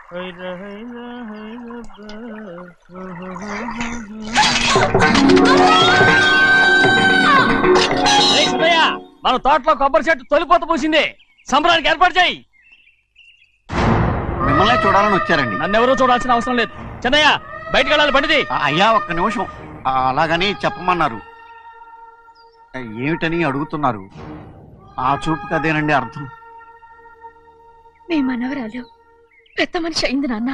మన తోటలో కొబ్బరి చెట్టు తొలిపోత పూసింది. సంబరానికి ఏర్పాటు చేయి. మిమ్మల్ని చూడాలని వచ్చారండి. నన్నెవరూ చూడాల్సిన అవసరం లేదు. చెన్నయ్య బయటకు వెళ్ళాలి. బండిది. అయ్యా ఒక్క నిమిషం. అలాగని చెప్పమన్నారు. ఏమిటని అడుగుతున్నారు. ఆ చూపుకి అదేనండి అర్థం. మీ మనవరాలు పెద్ద మనిషి అయింది నాన్న.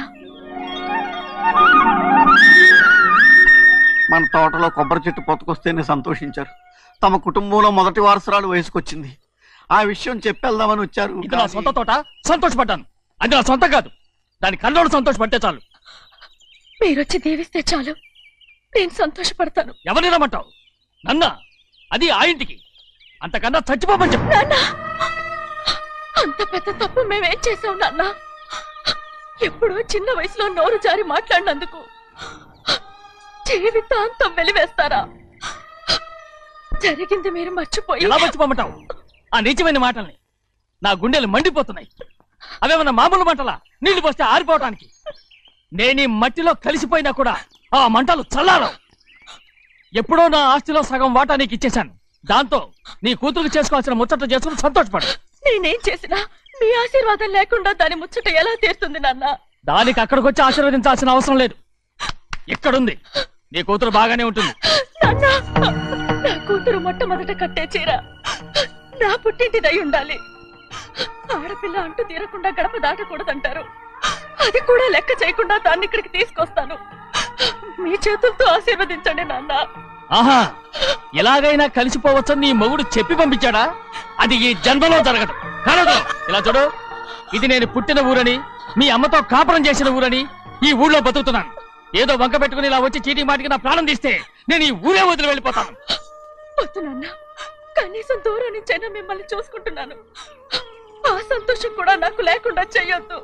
మన తోటలో కొబ్బరి చెట్టు పొత్తుకొస్తేనే సంతోషించారు. తమ కుటుంబంలో మొదటి వారసురాలు వయసుకొచ్చింది. ఆ విషయం చెప్పేద్దామని వచ్చారు. ఇది నా సొంత తోట, సంతోషపడ్డాను. అది నా సొంతం కాదు. దాని కళ్ళోడు సంతోషపడితే చాలు. మీరొచ్చి దీవిస్తే చాలు, నేను సంతోషపడతాను. ఎవరిని రమ్మంటావు? నన్న? అది ఆ ఇంటికి. అంతకన్నా చచ్చిపోమని చెప్పు. నాన్న, అంత పెద్ద తప్పు మేమేం చేసాం నాన్న? ఎప్పుడో చిన్న వయసులో నోరు జారి మాట్లాడినందుకు జీవితాంతం వెలివేస్తారా? జరిగింది మీరు మర్చిపోయి. ఎలా మర్చిపోమంటావు ఆ నీచమైన మాటల్ని? నా గుండెలు మండిపోతున్నాయి. అవేమన్నా మామూలు మంటలా? నీళ్లు పోస్తే ఆరిపోవటానికి. నేను ఈ మట్టిలో కలిసిపోయినా కూడా ఆ మంటలు చల్లారవు. ఎప్పుడో నా ఆస్తిలో సగం వాటా నీకు ఇచ్చేశాను. దాంతో నీ కూతురు చేసుకోవాల్సిన ముచ్చట చేసుకుని సంతోషపడు. నేనేం చేసినా మీ ఆశీర్వాదం లేకుండా దాని ముచ్చట ఎలా తీరుతుంది నాన్న? దానికి అక్కడికి వచ్చి ఆశీర్వదించాల్సిన అవసరం లేదు. ఇక్కడుంది. నీ కూతురు బాగానే ఉంటుంది. నా కూతురు మొట్టమొదట కట్టే చీర నా పుట్టింటిదై ఉండాలి. ఆడపిల్ల అంటూ తీరకుండా గడప దాటకూడదంటారు. అది కూడా లెక్క చేయకుండా దాన్ని ఇక్కడికి తీసుకొస్తాను. మీ చేతులతో ఆశీర్వదించండి నాన్న. ఆహా, ఎలాగైనా కలిసిపోవచ్చని నీ మొగుడు చెప్పి పంపించాడా? అది ఈ జన్మలో జరగదు. కాదు. ఇలా చూడు, ఇది నేను పుట్టిన ఊరని, మీ అమ్మతో కాపురం చేసిన ఊరని ఈ ఊళ్ళో బతుకుతున్నాను. ఏదో వంక పెట్టుకుని ఇలా వచ్చి చీటీ మాటికి నా ప్రాణం తీస్తే నేను ఈ ఊరే వదిలి వెళ్ళిపోతాను. వద్దు నాన్న, కనీసం దూరం నుంచైనా మిమ్మల్ని చూసుకుంటున్నాను. ఆ సంతోషం కూడా నాకు లేకుండా చెయ్యొద్దు.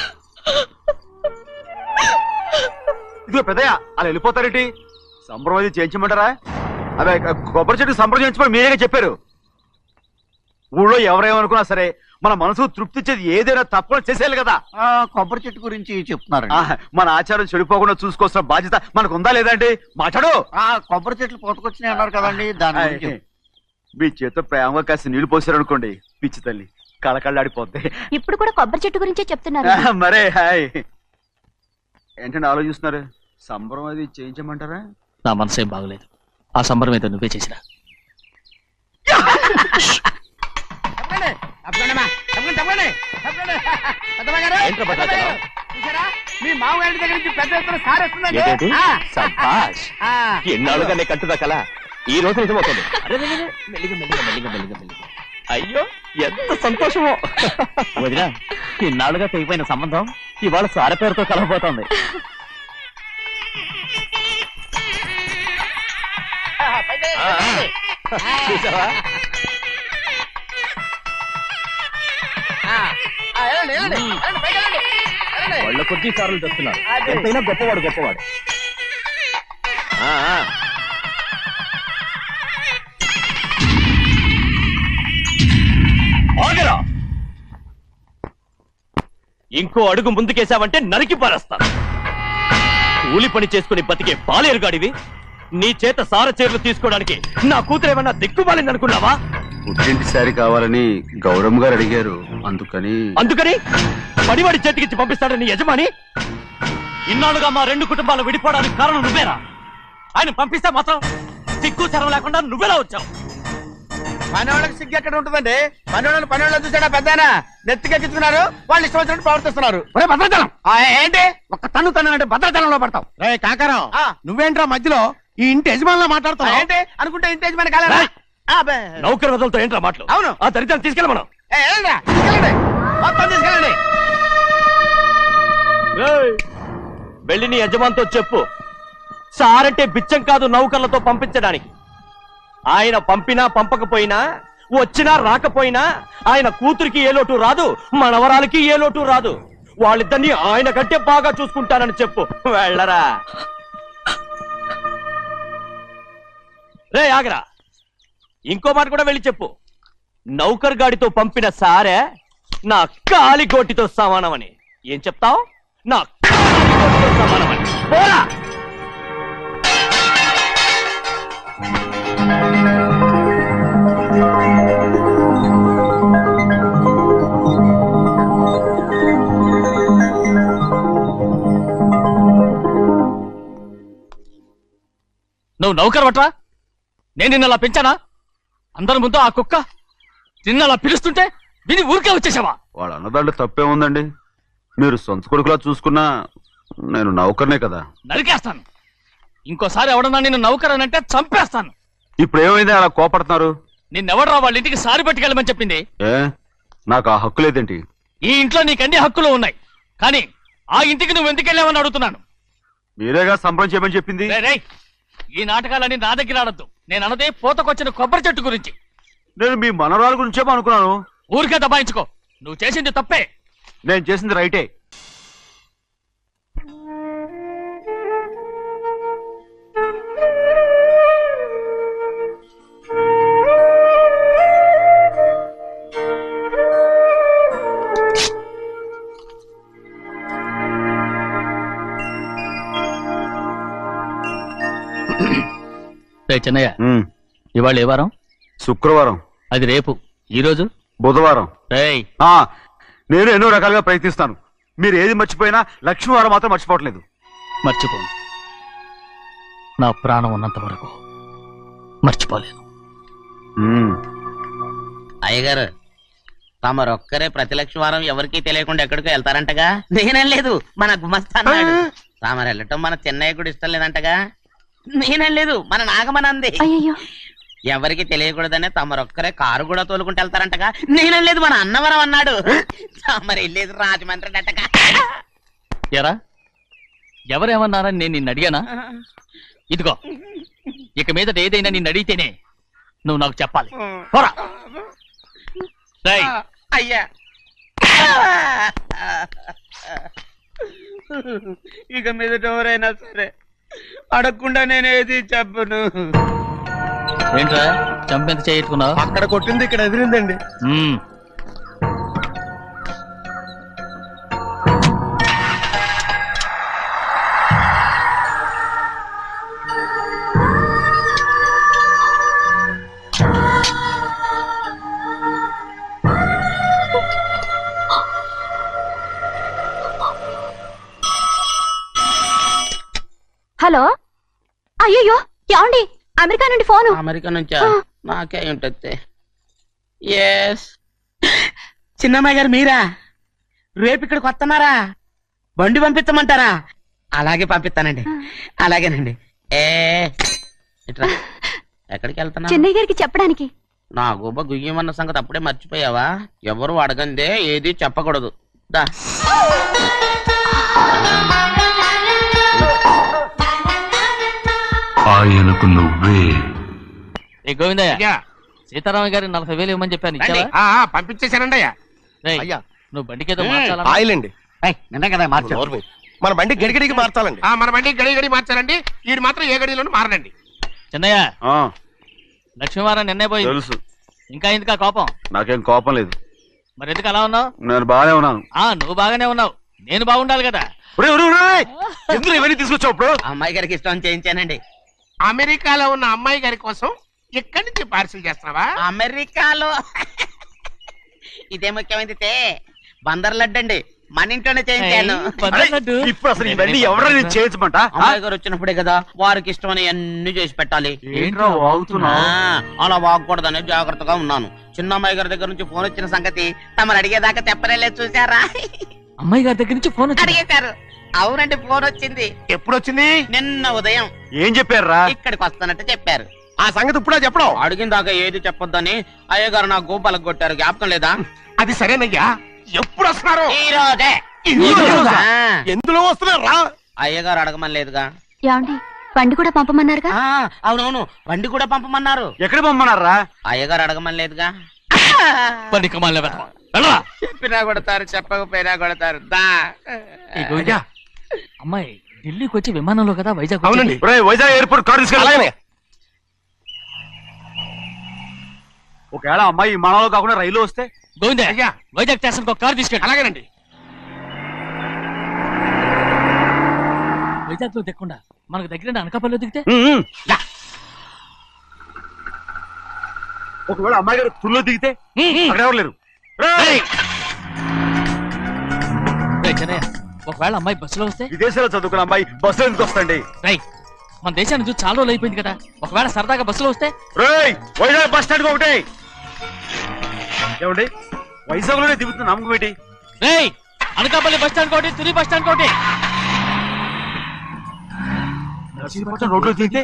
ఇదిగో పెద్దయ్య, అలా వెళ్ళిపోతారేంటి? సంబరం అది చేయించమంటారా? అదే కొబ్బరి చెట్టు సంబరం చేయించమని మీరేగా చెప్పారు. ఊళ్ళో ఎవరేమనుకున్నా సరే మన మనసు తృప్తి ఇచ్చేది ఏదైనా తప్పకుండా చేసేయాలి కదా. కొబ్బరి చెట్టు గురించి చెప్తున్నారు. మన ఆచారం చెడిపోకుండా చూసుకోవాల్సిన బాధ్యత మనకు ఉందా లేదా అండి? మాట్లాడు. కొబ్బరి చెట్లు పొత్తుకొచ్చినాయి అన్నారు కదండి, దాని గురించి. మీ చేత ప్రేమగా కాసి నీళ్లు పోసారనుకోండి, పిచ్చి తల్లి కళకళ్ళాడిపోద్ది. ఇప్పుడు కూడా కొబ్బరి చెట్టు గురించే చెప్తున్నారు. మరే హాయ్ ఏంటంటే ఆలోచిస్తున్నారు? సంబరం అది చేయించమంటారా? నా మనసు ఏం బాగలేదు. ఆ సంబరం ఏదో నువ్వే చేసినా. మీ మామగారి దగ్గర నుంచి పెద్ద ఎత్తున సారేస్తుందండి. ఎన్నాళ్ళుగా నే కట్టుదా కల ఈ రోజు నిజమవుతుంది. మెల్లిగా మెల్లిగా మెల్లిగా మెల్లిగా మెల్లిగా. అయ్యో ఎంత సంతోషమో వదినా. ఇన్నాళ్ళుగా తెగిపోయిన సంబంధం ఇవాళ సార పేరుతో కలవబోతోంది. చూసావా? వాళ్ళ కొద్ది సార్లు తెస్తున్నారు. ఎంతైనా గొప్పవాడు గొప్పవాడు. ఆగరా! ఇంకో అడుగు ముందుకేసావంటే నరికి పారేస్తాను. కూలి పని చేసుకుని బతికే బాలేరుగాడివి. నీ చేత సార చీరలు తీసుకోవడానికి నా కూతురు ఏమన్నా దిక్కుమాలింది అనుకున్నావా? పుట్టింటి సారి కావాలని గౌరమ్మ గారు అడిగారు. అందుకని పడివాడి చేతికిచ్చి పంపిస్తాడని యజమాని. ఇన్నాళ్ళుగా మా రెండు కుటుంబాలు విడిపోవడానికి కారణం నువ్వేరా? ఆయన పంపిస్తే మాత్రం సిగ్గు చరం లేకుండా నువ్వెలా వచ్చావు? పనివాళ్ళకి సిగ్గు ఎక్కడ ఉంటుందండి? పనివాళ్ళు చూసాడా పెద్దనా నెత్తికెక్కించుకున్నారు. వాళ్ళు ఇష్టం వచ్చినట్టు ప్రవర్తిస్తున్నారు. భద్రాచలం ఏంటి ఒక్క తన్ను అంటే భద్రాచలంలో పడతావు. రే కాకరం, నువ్వేంట్రా మధ్యలో ఈ ఇంటి యజమానిలో మాట్లాడుతావు? ఏంటి అనుకుంటే ఇంటి యజమాని కాలేదా? నౌకర్ వదలతో ఏంట్రా మాటలు? అవును, ఆ దరిద్రాన్ని తీసుకెళ్ళి మనం మొత్తం తీసుకెళ్ళండి. వెళ్ళి నీ యజమానితో చెప్పు, సారంటే బిచ్చం కాదు నౌకర్లతో పంపించడానికి. ఆయన పంపినా పంపకపోయినా, వచ్చినా రాకపోయినా ఆయన కూతురికి ఏ లోటు రాదు, మనవరాలకి ఏ లోటు రాదు. వాళ్ళిద్దరినీ ఆయన కంటే బాగా చూసుకుంటానని చెప్పు. వెళ్ళరా. రే ఆగరా, ఇంకో మాట కూడా వెళ్ళి చెప్పు. నౌకర్ గాడితో పంపిన సారే నా కాలిగోటితో సమానమని. ఏం చెప్తావు? నా సమానమని. పోరా! నువ్వు నౌకర్ పట్రా? నేను నిన్న అలా పెంచానా? అందరి ముందు ఆ కుక్క నిన్న అలా పిలుస్తుంటే విని ఊరికే వచ్చేసావా? వాడు అన్నదాంట్లో తప్పే ఉందండి. మీరు సొంత కొడుకులా చూసుకున్నా నేను నౌకర్నే కదా. నరికేస్తాను. ఇంకోసారి ఎవడన్నా నిన్ను నౌకర్ అని అంటే చంపేస్తాను. ఇప్పుడు ఏమైంది అలా కోపడుతున్నారు? నిన్నెవడరా వాళ్ళ ఇంటికి సారి పట్టుకెళ్ళమని చెప్పింది? ఏ నాకు ఆ హక్కు లేదేంటి? ఈ ఇంట్లో నీకు అన్ని హక్కులు ఉన్నాయి, కానీ ఆ ఇంటికి నువ్వు ఎందుకు వెళ్ళావని అడుగుతున్నాను. మీరేగా సంబరం చేయమని చెప్పింది. రేయ్, ఈ నాటకాలన్నీ నా దగ్గర ఆడద్దు. నేను అన్నదే పూతకొచ్చిన కొబ్బరి చెట్టు గురించి. నేను మీ మనవరాల గురించేమో అనుకున్నాను. ఊరికే దబాయించుకో. నువ్వు చేసింది తప్పే. నేను చేసింది రైటే. చిన్నయ్య, ఇవాళ ఏ వారం? శుక్రవారం. అది రేపు. ఈ రోజు బుధవారం. రేయ్, నేను ఎన్నో రకాలుగా ప్రయత్నిస్తాను. మీరు ఏది మర్చిపోయినా లక్ష్మీవారం మాత్రం మర్చిపోవట్లేదు. మర్చిపోను. నా ప్రాణం ఉన్నంత వరకు మర్చిపోలేను. అయ్యగారు, తమరొక్కరే ప్రతి లక్షవారం ఎవరికీ తెలియకుండా ఎక్కడికో వెళ్తారంటగా? నేనేం లేదు, మన గుమస్తా అన్నాడు. తామరు వెళ్ళటం మన చెన్నయ్య కూడా ఇష్టం లేదంటగా? నేనేం లేదు, మన నాగమనంది. ఎవరికి తెలియకూడదనే తమరొక్కరే కారు కూడా తోలుకుంటూ వెళ్తారంటగా? నేనేం లేదు, మన అన్నవరం అన్నాడు. తమరు వెళ్ళేది రాజమండ్రి అంటగా? ఎరా, ఎవరేమన్నారని నేను నిన్ను అడిగానా? ఇదిగో, ఇక మీదట ఏదైనా నిన్ను అడిగితేనే నువ్వు నాకు చెప్పాలి. పోరా. రేయ్, అయ్యా, ఇక మీదట ఎవరైనా సరే అడగకుండా నేనేది చెప్పను. ఏంట్రా చంపెంత చేయించుకున్నావు? అక్కడ కొట్టింది ఇక్కడ ఎదిరిందండి. హలో, అయ్యో ఏమండి? అమెరికా నుండి ఫోను. అమెరికా నుంచా? నాకే ఉంటుంది. ఎస్, చిన్నమ్మాయి గారు మీరా? రేపు ఇక్కడికి వస్తున్నారా? బండి పంపిస్తామంటారా? అలాగే పంపిస్తానండి. అలాగేనండి. ఇట్రా. ఎక్కడికి వెళ్తున్నా? చెన్నై గారికి చెప్పడానికి. నా గుబ్బ గుయ్యమన్న సంగతి అప్పుడే మర్చిపోయావా? ఎవరు అడగందే ఏది చెప్పకూడదు. దా. ఆయనకు నువ్వే. గోవిందయ్య, సీతారామయ్య గారి 40,000 ఇవ్వమని చెప్పాను. ఇచ్చావా? పంపించేశానండి అయ్యా. అయ్యా, నువ్వు బండికేదో మార్చాలా? ఆయిల్ అండి. నిన్న కదా మార్చారు. మన బండి గడిగడికి మార్చాలండి. మన బండి గడిగడి మార్చాలండి. వీడు మాత్రం ఏ గడిలోనూ మారనండి. చిన్నయ్య, లక్ష్మీవారం నిన్నే పోయింది. తెలుసు. ఇంకా ఎందుకా కోపం? నాకేం కోపం లేదు. మరి ఎందుకు అలా ఉన్నావు? నేను బాగానే ఉన్నాను. నువ్వు బాగానే ఉన్నావు, నేను బాగుండాలి కదా. ఎందుకు ఇవన్నీ తీసుకొచ్చావు? ఇప్పుడు అమ్మాయి గారికి ఇష్టం చేయించానండి. అమెరికాలో ఉన్న అమ్మాయి గారి కోసం ఇక్కడి నుంచి పార్సిల్ చేస్తున్నావా? అమెరికాలో ఇదే ముఖ్యమైనది. బందర్ లడ్డు అండి, మన ఇంట్లోనే చేయించాను. ఇప్పుడు అసలు ఇవన్నీ ఎవరైనా చేయించమంట? అమ్మాయి గారు వచ్చినప్పుడే కదా వారికి ఇష్టమని అన్ని చేసి పెట్టాలి. అలా వాగకూడదని జాగ్రత్తగా ఉన్నాను. చిన్న అమ్మాయి గారి దగ్గర నుంచి ఫోన్ వచ్చిన సంగతి తమరు అడిగేదాకా చెప్పలేదు. చూసారా? అమ్మాయి గారి దగ్గర నుంచి ఫోన్ అడిగేశారు. అవునండి, ఫోన్ వచ్చింది. ఎప్పుడు వచ్చింది? నిన్న ఉదయం. ఏం చెప్పారా? ఇక్కడికి వస్తానంటే చెప్పారు. ఆ సంగతి ఇప్పుడే చెప్పడం. అడిగిన దాకా ఏది చెప్పొద్దని అయ్యగారు నా గోపాలకు కొట్టారు. జ్ఞాపకం లేదా? అది సరేనయ్యా. ఎప్పుడు వస్తున్నారు? ఈ రోజే. ఎందులో వస్తున్నారా? అయ్యగారు అడగమని లేదుగా. ఏమండి, బండి కూడా పంపమన్నారుగా? అవునవును, బండి కూడా పంపమన్నారు. ఎక్కడ పంపమన్నారా? అయ్యగారు అడగమని లేదుగా. చెప్పినా కొడతారు, చెప్పకపోయినా కొడతారు. దా. అమ్మాయి ఢిల్లీకి వచ్చి విమానంలో కదా వైజాగ్. అవునండి. వైజాగ్ ఎయిర్పోర్ట్ కార్ తీసుకెళ్ళాలి. ఒకవేళ అమ్మాయి విమానంలో కాకుండా రైలు వస్తే? గోవిందయ్య, వైజాగ్ స్టేషన్ కార్ తీసుకెళ్ళి. అలాగేనండి. వైజాగ్ లో దిక్కుండా మనకు దగ్గర అనకాపల్లిలో దిగితే ఒకవేళ అమ్మాయి గారు తుల్లో దిగితే అక్కడ ఎవరు లేరు. రేయ్! రేయ్ చిన్నయ్య, ఒకవేళ అమ్మాయి బస్సులో వస్తే విదేశాల్లో చదువుకున్న అమ్మాయి బస్సులో ఎందుకు వస్తండి? రేయ్ మన దేశాన్ని చూసి చాలా రోజులు అయిపోయింది కదా, ఒకవేళ సరదాగా బస్సులో వస్తే? రేయ్ వైజాగ్ బస్ స్టాండ్ ఒకటి ఏమండి వైజాగ్ లోనే దిగుతున్న నమ్మకం ఏంటి? రేయ్ అనకాపల్లి బస్ స్టాండ్ కోటి, తుని బస్ స్టాండ్ కోటి. రోడ్లో దిగితే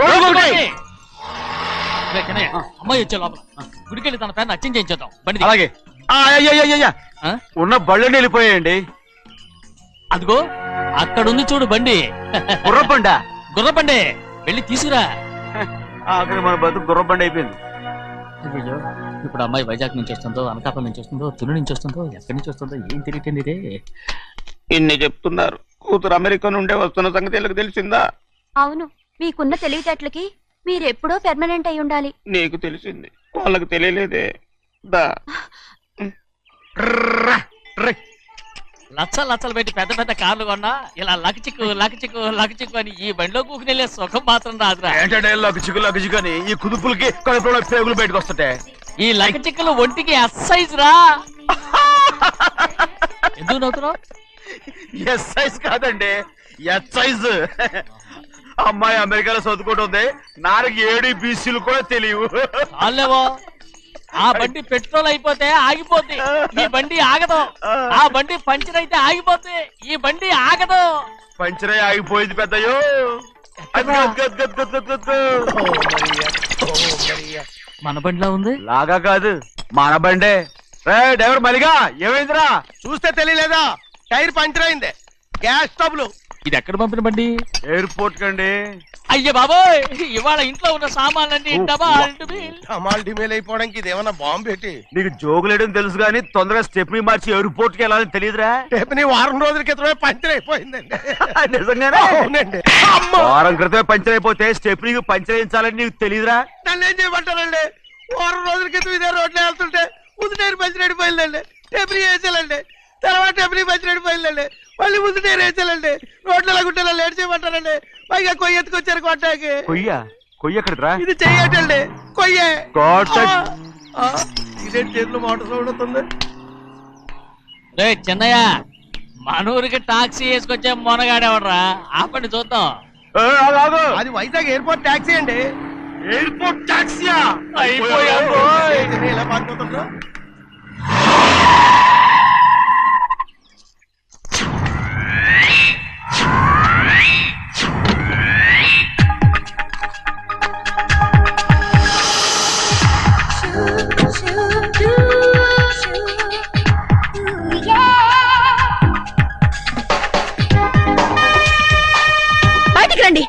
రేయ్ చిన్నయ్య, అమ్మాయి వచ్చే లోపల గుడికెళ్ళి తన పేరుని అచ్చం చేయించేద్దాం బండి దిగు. అలాగే. ఆ? ఉన్న బళ్ళని వెళ్ళిపోయాయండి. అదిగో అక్కడుంది చూడు బండి, గుర్రబండ. గుర్రబండి, వెళ్ళి తీసుకురా. అక్కడ మన బతుకు గుర్రబండ అయిపోయింది. అయ్యో ఇప్పుడు అమ్మాయి వైజాగ్ నుంచి వస్తుందో, అనకాపల్లి నుంచి వస్తుందో, తుని నుంచి వస్తుందో, ఎక్కడి నుంచి వస్తుందో ఏం తెలియటండి రే. ఇన్ని చెప్తున్నారు, కూతురు అమెరికా నుండే వస్తున్న సంగతి వీళ్ళకి తెలిసిందా? అవును, మీకున్న తెలివితేటలకి మీరెప్పుడో పెర్మనెంట్ అయి ఉండాలి. నీకు తెలిసింది, వాళ్ళకి తెలియలేదే. దా లచ్చలు పెట్టి పెద్ద పెద్ద కార్లు కొన్నా ఇలా లకచిక్కు లకచిక్కు లకచిక్కు అని ఈ బండిలో కూకుని వెళ్ళే సుఖం మాత్రం రాదురా. ఏంటంటే లగ్గుచిక్కు అని ఈ కుదుపులకి కడుపులో పేగులు బయటకు వస్తుంటే ఈ లకచిక్కులు ఒంటికి ఎక్సైజ్ రా. ఎందుకు నవ్వుతున్నావు? ఎస్ సైజ్ కాదండి, ఎస్ సైజ్. అమ్మాయి అమెరికాలో చదువుకుంటుంది, నాకు 7 బీసీలు కూడా తెలియవు. చాలేవో, ఆ బండి పెట్రోల్ అయిపోతే ఆగిపోద్ది, ఈ బండి ఆగదు. ఆ బండి పంచర్ అయితే ఆగిపోద్ది, ఈ బండి ఆగదు. పంచరే ఆగిపోయింది పెద్దయ్యో. మన బండిలా ఉంది. లాగా కాదు, మన బండే. డ్రైవర్ మలిగా ఏమైందిరా? చూస్తే తెలియలేదా? టైర్ పంచర్ అయింది. గ్యాస్ స్టవ్లు. ఇది ఎక్కడ పంపిన బండి? ఎయిర్పోర్ట్ కండి. అయ్య బాబోయ్, ఇవాళ ఇంట్లో ఉన్న సామాన్లన్నీ డబల్ డుబిల్. అమాల్ డిమేల్ అయిపోవడానికి ఇదేమన్నా బాంబు పెట్టి నీకు జోగులేయడం తెలుసు కానీ తొందరగా స్టెప్ని మార్చి ఎయిర్పోర్ట్ కి వెళ్ళాలని తెలియదురా? రేపని వారం రోజుల క్రితమే పంచర్ అయిపోయిందండి. నిజంగానే? అవునండి. వారం క్రితమే పంచర్ అయిపోతే స్టెప్నీకి పంచర్ వేయించాలని నీకు తెలియదురా? నన్ను ఏం చేయమంటారండి? వారం రోజుల క్రితం ఇదే రోడ్లో వెళ్తుంటే ముందు టైర్ పంచర్ అయిపోయిందండి. టెబ్రీ వేసాలండి, తర్వాత టెబ్రీ పంచర్ అయిపోయిందండి, మళ్ళీ ముందు టైర్ వేసాలండి. రోడ్లు ఎలాగుంటే లేట్ చేయమంటారండి. పైగా కొయ్య ఎత్తుకొచ్చారు కొట్టాకి. కొయ్య ఎక్కడిరా? ఇది చెయ్యటండి, కొయ్యే. God. ఇదే చేతులు మోటార్ సౌండ్ అవుతుంది. రే చిన్నయ్య, మన ఊరికి టాక్సీ వేసుకొచ్చే మొనగాడేవడరా? ఆపండి చూద్దాం. అది వైజాగ్ ఎయిర్పోర్ట్ ట్యాక్సీ అండి. ఎయిర్పోర్ట్ టాక్సీయా? ఇలా పారిపోతుండ్రు. బయటికి రండి.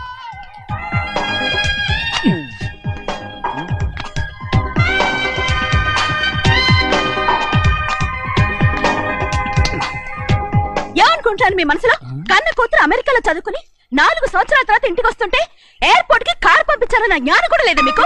ఏమనుకుంటాను మీ మనసులో? కన్న కూతురు అమెరికాలో చదువుకుని 4 సంవత్సరాల తర్వాత ఇంటికి వస్తుంటే ఎయిర్పోర్ట్ కి కార్ పంపించాలన్న జ్ఞానం కూడా లేదా మీకు?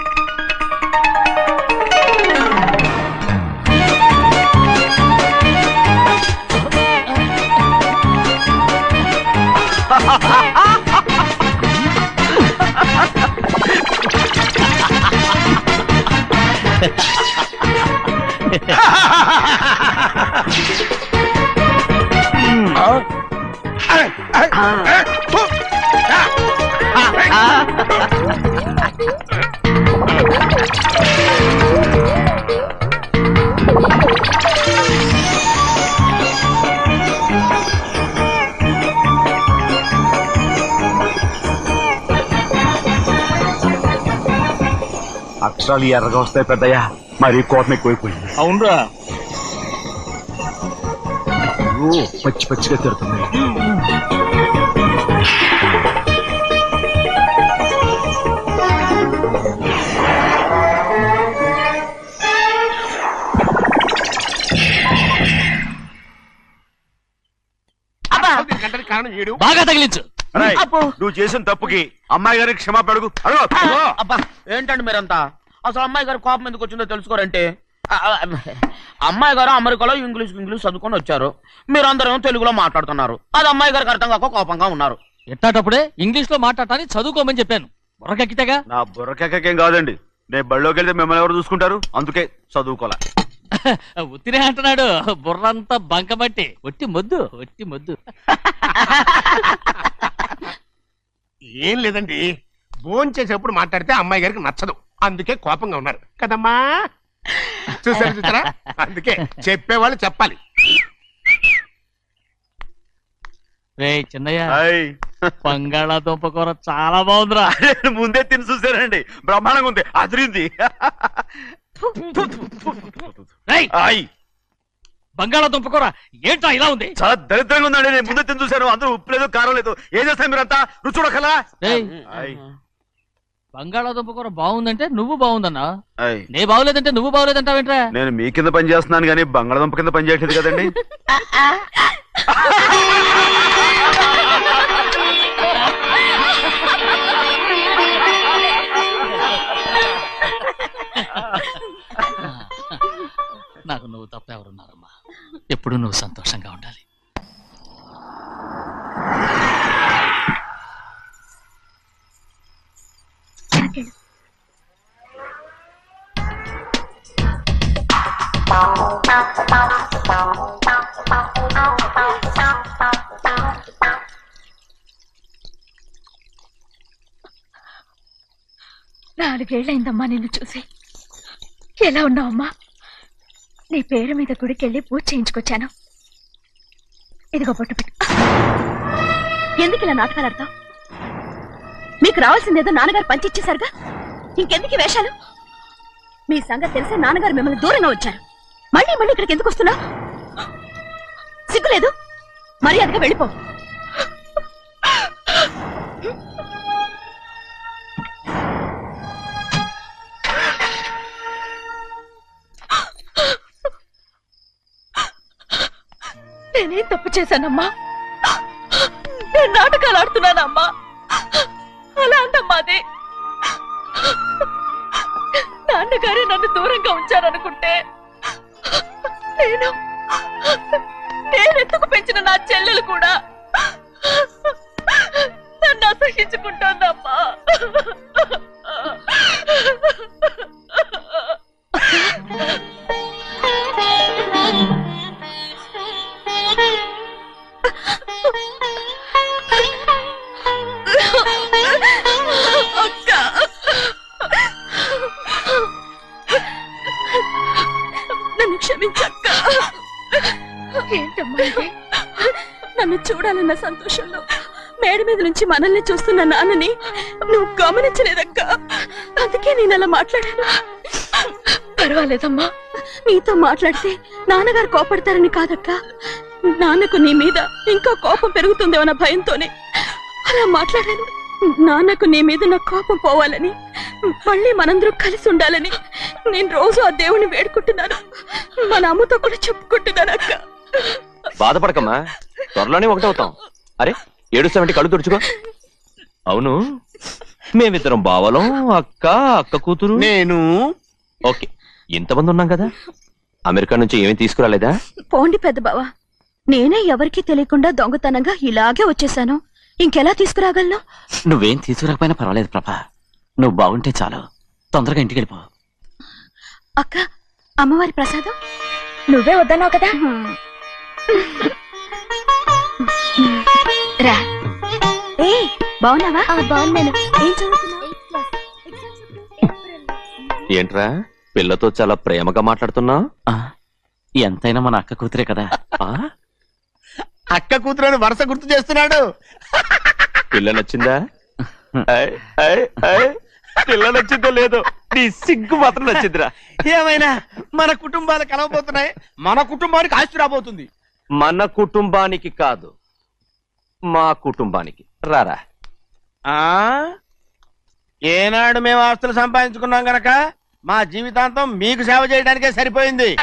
అక్షరాలు ఎర్రగా వస్తాయి పెద్దయ్యా, మరి కోపం ఎక్కువైపోయింది. అవునరా, పచ్చి పచ్చిగా తిడుతుంది. దీనికంటే కారణం ఏడు. బాగా తగిలించు. రేయ్, నువ్వు చేసిన తప్పుకి అమ్మాయి గారికి క్షమాపణ అడుగు. అబ్బా ఏంటండి మీరంతా? అసలు అమ్మాయి గారి కోపం ఎందుకు వచ్చిందో తెలుసుకోరంటే అమ్మాయి గారు అమెరికాలో ఇంగ్లీష్ చదువుకొని వచ్చారు, మీరందరూ తెలుగులో మాట్లాడుతున్నారు. అది అమ్మాయి గారికి అర్థం కాక కోపంగా ఉన్నారు. ఎట్టాటప్పుడే ఇంగ్లీష్ లో మాట్లాడటానికి చదువుకోమని చెప్పాను. బుర్రకెక్కితేగా. నా బుర్రకేకేం కాదండి, నేను బళ్ళోకి వెళ్తే మిమ్మల్ని ఎవరు చూసుకుంటారు, అందుకే చదువుకోలే. ఉత్తినే అంటున్నాడు, బుర్రంతా బంకబట్టి. ఒట్టి మొద్దు. ఏం లేదండి, భోజనం చేసేప్పుడు మాట్లాడితే అమ్మాయి గారికి నచ్చదు, అందుకే కోపంగా ఉన్నారు కదమ్మా. చూసారా, అందుకే చెప్పేవాళ్ళు చెప్పాలి. రే చిన్నయ్య, హాయ్. బంగాళాదుంప కూర చాలా బాగుందిరా. ముందే తిని చూసానండి, బ్రహ్మాండంగా ఉంది, అదిరింది. రేయ్, హాయ్. బంగాళాదుంప కూర ఏంట్రా ఇలా ఉంది? చాలా దరిద్రంగా ఉందండి, నేను ముందే తిని చూశాను, అందరూ ఉప్పు లేదు కారం లేదు. ఏం చేస్తారు మీరంతా, రుచి చూడకలా. రేయ్, హాయ్. బంగాళాదుంప కూర బాగుందంటే నువ్వు బాగుందన్నా, హాయ్. నే బాగులేదంటే నువ్వు బాగులేదంటావేంట్రా? నేను మీ కింద పని చేస్తున్నాను కానీ బంగాళదుంప కింద పని చేయట్లేదు కదండి. నాకు నువ్వు తప్ప ఎవరున్నారమ్మా? ఎప్పుడు నువ్వు సంతోషంగా ఉండాలి. నాలుగేళ్లైందమ్మా నిన్ను చూసి. ఎలా ఉన్నావమ్మా? నీ పేరు మీద గుడికెళ్ళి పూజ చేయించుకొచ్చాను. ఇదిగో బొట్టు పెట్టు. ఎందుకు ఇలా నాటకాలు ఆడతావు? మీకు రావాల్సిందేదో నాన్నగారు పంచిచ్చేశారుగా, ఇంకెందుకు వేషాలు? మీ సంగతి తెలిసే నాన్నగారు మిమ్మల్ని దూరంగా వచ్చారు. మళ్ళీ మళ్ళీ ఇక్కడికి ఎందుకు వస్తున్నావు? సిగ్గులేదు? మర్యాదగా వెళ్ళిపో. నేనేం తప్పు చేశానమ్మా? నేను నాటకాలు ఆడుతున్నానమ్మా. అలా అందమ్మా అది. నాన్నగారే నన్ను దూరంగా ఉంచారనుకుంటే నేనెత్తుకు పెంచిన నా చెల్లెలు కూడా నన్ను అసహించుకుంటోందమ్మా. నన్ను క్షమించక్క. ఏంటమ్మా ఇది? నన్ను చూడాలన్న సంతోషంలో మేడ మీద నుంచి మనల్ని చూస్తున్న నాన్నని నువ్వు గమనించలేదక్క. అందుకే నేను అలా మాట్లాడాను. పర్వాలేదమ్మా, నీతో మాట్లాడితే నాన్నగారు కోపడతారని కాదక్క. నాన్నకు నీ మీద ఇంకా కోపం పెరుగుతుందేమన్న భయంతోనే అలా మాట్లాడాను. నాన్నకు నీ మీద నా కోపం పోవాలని, మళ్ళీ మనందరం కలిసి ఉండాలని నేను రోజు ఆ దేవుని వేడుకుంటున్నాను. మన అమ్మతో కూడా చెప్పుకుంటున్నాను అక్క. బాధపడకమ్మా, త్వరలోనే ఒకటవుతాం. అరే ఏడుస్తామంటే కళ్ళు తుడుచుకో. అవును, మేమిద్దరం బావలం, అక్క కూతురు, నేను. ఓకే, ఇంతమంది ఉన్నాం కదా. అమెరికా నుంచి ఏమీ తీసుకురాలేదా? పోండి పెద్ద బావా, నేనే ఎవరికీ తెలియకుండా దొంగతనంగా ఇలాగే వచ్చేసాను. ఇంకెలా తీసుకురాగలను? నువ్వేం తీసుకురాకపోయినా పర్వాలేదు ప్రభా, నువ్వు బాగుంటే చాలు. తొందరగా ఇంటికి వెళ్ళిపో. అక్క, అమ్మవారి ప్రసాదం నువ్వే వద్దన్నావు కదా. రా. ఏ బాగున్నావా? బాగున్నాను. ఏం చదువుతున్నావు? ఏంట్రా పిల్లతో చాలా ప్రేమగా మాట్లాడుతున్నావు? ఎంతైనా మన అక్క కూతురే కదా. అక్క కూతురు వరుస గుర్తు చేస్తున్నాడు. పిల్ల నచ్చిందా? పిల్ల నచ్చిందో లేదో, నీ సిగ్గు మాత్రం నచ్చిందిరా. ఏమైనా మన కుటుంబాలు కలవబోతున్నాయి, మన కుటుంబానికి ఆస్తి రాబోతుంది. మన కుటుంబానికి కాదు, మా కుటుంబానికి. రారా. ఏనాడు మేము ఆస్తులు సంపాదించుకున్నాం గనక మా జీవితాంతం మీకు సేవ చేయడానికే సరిపోయింది.